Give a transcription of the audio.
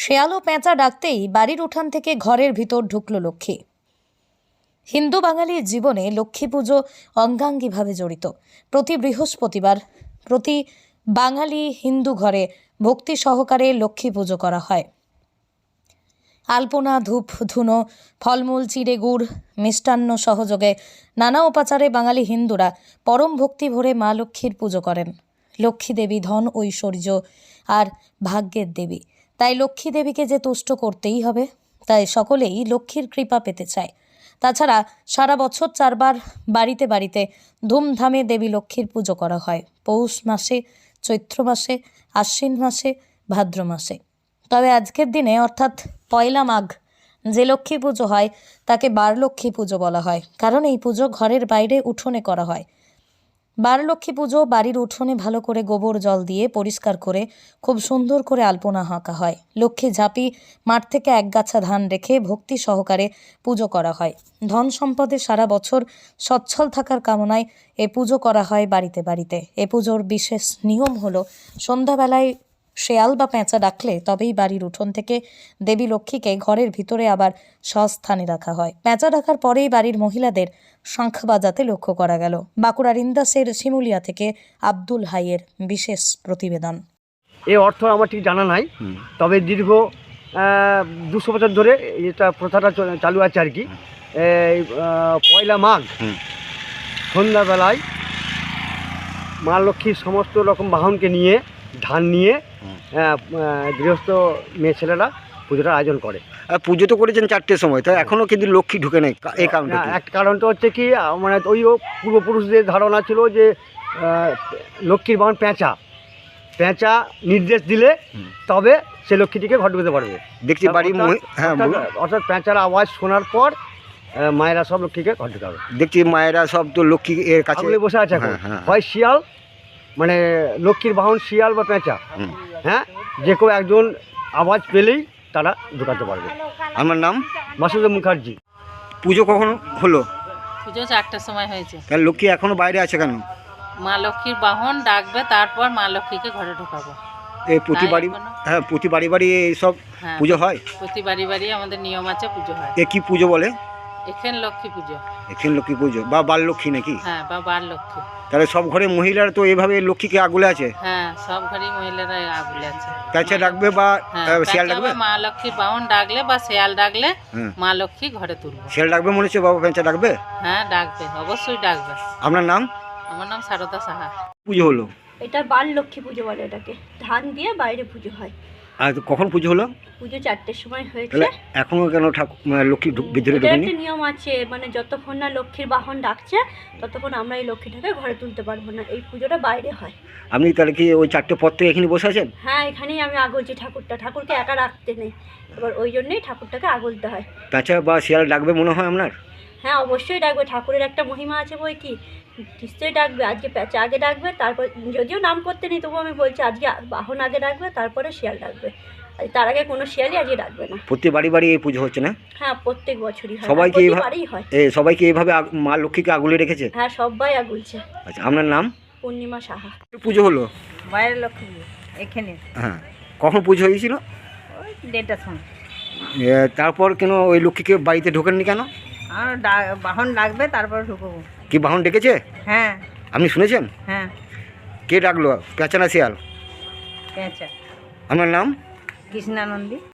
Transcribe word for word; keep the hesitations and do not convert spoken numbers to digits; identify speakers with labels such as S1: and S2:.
S1: শেয়াল ও পেঁচা ডাকতেই বাড়ির উঠান থেকে ঘরের ভিতর ঢুকল লক্ষ্মী। হিন্দু বাঙালির জীবনে লক্ষ্মী পুজো অঙ্গাঙ্গিভাবে জড়িত। প্রতি বৃহস্পতিবার প্রতি বাঙালি হিন্দু ঘরে ভক্তি সহকারে লক্ষ্মী পুজো করা হয়। আলপনা, ধূপ, ধুনো, ফলমূল, চিড়ে, গুড়, মিষ্টান্ন সহযোগে নানা উপাচারে বাঙালি হিন্দুরা পরম ভক্তি ভরে মা লক্ষ্মীর পুজো করেন। লক্ষ্মী দেবী ধন, ঐশ্বর্য আর ভাগ্যের দেবী, তাই লক্ষ্মী দেবীকে যে তুষ্ট করতেই হবে, তাই সকলেই লক্ষ্মীর কৃপা পেতে চায়। তাছাড়া সারা বছর চারবার বাড়িতে বাড়িতে ধুমধামে দেবী লক্ষ্মীর পুজো করা হয়। পৌষ মাসে, চৈত্র মাসে, আশ্বিন মাসে, ভাদ্র মাসে। তবে আজকের দিনে অর্থাৎ পয়লা মাঘ যে লক্ষ্মী পুজো হয় তাকে বারলক্ষ্মী পুজো বলা হয়, কারণ এই পুজো ঘরের বাইরে উঠোনে করা হয়। বারলক্ষ্মী পুজো বাড়ির উঠোনে ভালো করে গোবর জল দিয়ে পরিষ্কার করে খুব সুন্দর করে আলপনা আঁকা হয়। লক্ষ্মী ঝাঁপি মাঠ থেকে একগাছা ধান রেখে ভক্তি সহকারে পুজো করা হয়। ধন সম্পদে সারা বছর সচ্ছল থাকার কামনায় এ পুজো করা হয় বাড়িতে বাড়িতে। এ পুজোর বিশেষ নিয়ম হলো, সন্ধ্যাবেলায় শেয়াল বা পেঁচা ডাকলে তবেই বাড়ির উঠোন থেকে দেবী লক্ষ্মীকে ঘরের ভিতরে আবার স্বস্থানে রাখা হয়। পেঁচা ডাকার পরেই বাড়ির মহিলাদের শঙ্খ বাজাতে লক্ষ্য করা গেল। বাঁকুড়ার ইন্দাসের শিমুলিয়া থেকে আব্দুল হাইয়ের বিশেষ প্রতিবেদন।
S2: এই অর্থ আমার ঠিক জানা নাই, তবে দীর্ঘ দুশো বছর ধরে এটা প্রথাটা চালু আছে আর কি। এই পয়লা মাঘ সন্ধ্যাবেলায় মা লক্ষ্মীর সমস্ত রকম বাহনকে নিয়ে, ধান নিয়ে গৃহস্থ মেয়ে ছেলেরা পুজোটা আয়োজন করে।
S3: পুজো তো করেছেন চারটের সময়, তাই এখনও কিন্তু লক্ষ্মী ঢুকে নেই। এই কারণটা
S2: এক কারণটা হচ্ছে কি, মানে ওই পূর্বপুরুষদের ধারণা ছিল যে লক্ষ্মীর বাহন পেঁচা, পেঁচা নির্দেশ দিলে তবে সে লক্ষ্মীটিকে ঘর ঢুকতে পারবে।
S3: দেখছি বাড়ি, হ্যাঁ,
S2: অর্থাৎ পেঁচার আওয়াজ শোনার পর মায়েরা সব লক্ষ্মীকে ঘর ঢুকাবে।
S3: দেখছি মায়েরা সব তো লক্ষ্মী এর কাছে
S2: বসে আছে এখন। হয় শিয়াল, মানে লক্ষ্মীর বাহন শিয়াল বা পেঁচা, হ্যাঁ, যে কেউ একজন আওয়াজ পেলেই তারা ঢুকাতে পারবে।
S3: আমার নাম
S2: মাসুদ মুখার্জি।
S3: পুজো কখন হলো?
S4: পুজো চারটার সময় হয়েছে।
S3: তাহলে লক্ষ্মী এখনো বাইরে আছে কেন?
S4: মা লক্ষ্মীর বাহন ডাকবে, তারপর মা লক্ষ্মীকে ঘরে ঢোকাবো।
S3: এই প্রতি বাড়ি, হ্যাঁ, প্রতি বাড়ি বাড়ি এইসব পুজো হয়?
S4: প্রতি বাড়ি বাড়ি আমাদের নিয়ম আছে, পুজো হয়।
S3: এ কি পুজো বলে?
S4: এখানে লক্ষ্মী পুজো।
S3: এখানে লক্ষ্মী পুজো বা বাল লক্ষ্মী নাকি?
S4: হ্যাঁ, বা বার লক্ষ্মী।
S3: তাহলে সব ঘরে মহিলারা তো এইভাবে লক্ষ্মীকে আগলে আছে?
S4: হ্যাঁ, সব ঘরেই মহিলারা আগলে আছে।
S3: পেঁচা ডাকবে বা শিয়াল ডাকবে?
S4: মা লক্ষ্মীর বাহন ডাকলে বা শিয়াল ডাকলে মা লক্ষ্মী ঘরে তুলবে।
S3: শিয়াল ডাকবে মনে হচ্ছে, বাবা পেঁচা ডাকবে?
S4: হ্যাঁ, ডাকবে, অবশ্যই ডাকবে।
S3: আপনার নাম?
S4: আমার নাম সারদা সাহা।
S3: পুজো হলো?
S5: এটা বার লক্ষ্মী পুজো বলে এটাকে। ধান দিয়ে বাইরে পুজো হয়।
S3: আর কখন পুজো হলো?
S5: পুজো চারটের সময় হয়েছে।
S3: এখনো কেন ঠাকুর লক্ষ্মী ভিতরে ঢোকেনি?
S5: একটা নিয়ম আছে, মানে যতক্ষণ না লক্ষ্মীর বাহন ডাকছে ততক্ষণ আমরা এই লক্ষ্মীটাকে ঘরে তুলতে পারবো না। এই পুজোটা বাইরে হয়।
S3: আপনি তাহলে কি ওই চারটে পর থেকে এখানে বসে আছেন?
S5: হ্যাঁ, এখানেই আমি আগলছি ঠাকুরটা। ঠাকুরকে একা রাখতে নেই, এবার ওই জন্যই ঠাকুরটাকে আগলতে হয়।
S3: পেঁচা বা শিয়াল ডাকবে মনে হয় আপনার?
S5: হ্যাঁ, অবশ্যই ডাকবে। ঠাকুরের একটা মহিমা আছে বই কি, নিশ্চয়ই ডাকবে। আজকে পেঁচা আগে ডাকবে, তারপর যদিও নাম করতে নেই তবুও আমি বলছি আজকে বাহন আগে ডাকবে, তারপরে শিয়াল ডাকবে। তার আগে কোনো শিয়ালই আজকে ডাকবে না।
S3: প্রতি বাড়ি বাড়ি এই পুজো হচ্ছে না?
S5: হ্যাঁ, প্রত্যেক বছরই হয়।
S3: সবাইকে
S5: এইভাবেই হয়।
S3: এই সবাইকে এইভাবে মা লক্ষ্মীকে আগলে রেখেছে?
S5: হ্যাঁ, সবাই আগুলছে।
S3: আচ্ছা, আপনার নাম?
S5: পূর্ণিমা সাহা।
S3: পুজো হলো?
S4: বাইরের লক্ষ্মী এখানে।
S3: হ্যাঁ, কখন পুজো হয়েছিল?
S4: ওই দেড়টার সময়।
S3: তারপর কেন ওই লক্ষ্মীকে বাড়িতে ঢোকেননি কেন?
S4: আর বাহন ডাকবে, তারপর ঢুকবো।
S3: কি বাহন ডেকেছে?
S4: হ্যাঁ।
S3: আপনি শুনেছেন?
S4: হ্যাঁ।
S3: কে ডাকলো, পেঁচা না শিয়াল?
S4: পেঁচা।
S3: আপনার নাম?
S4: কৃষ্ণানন্দী।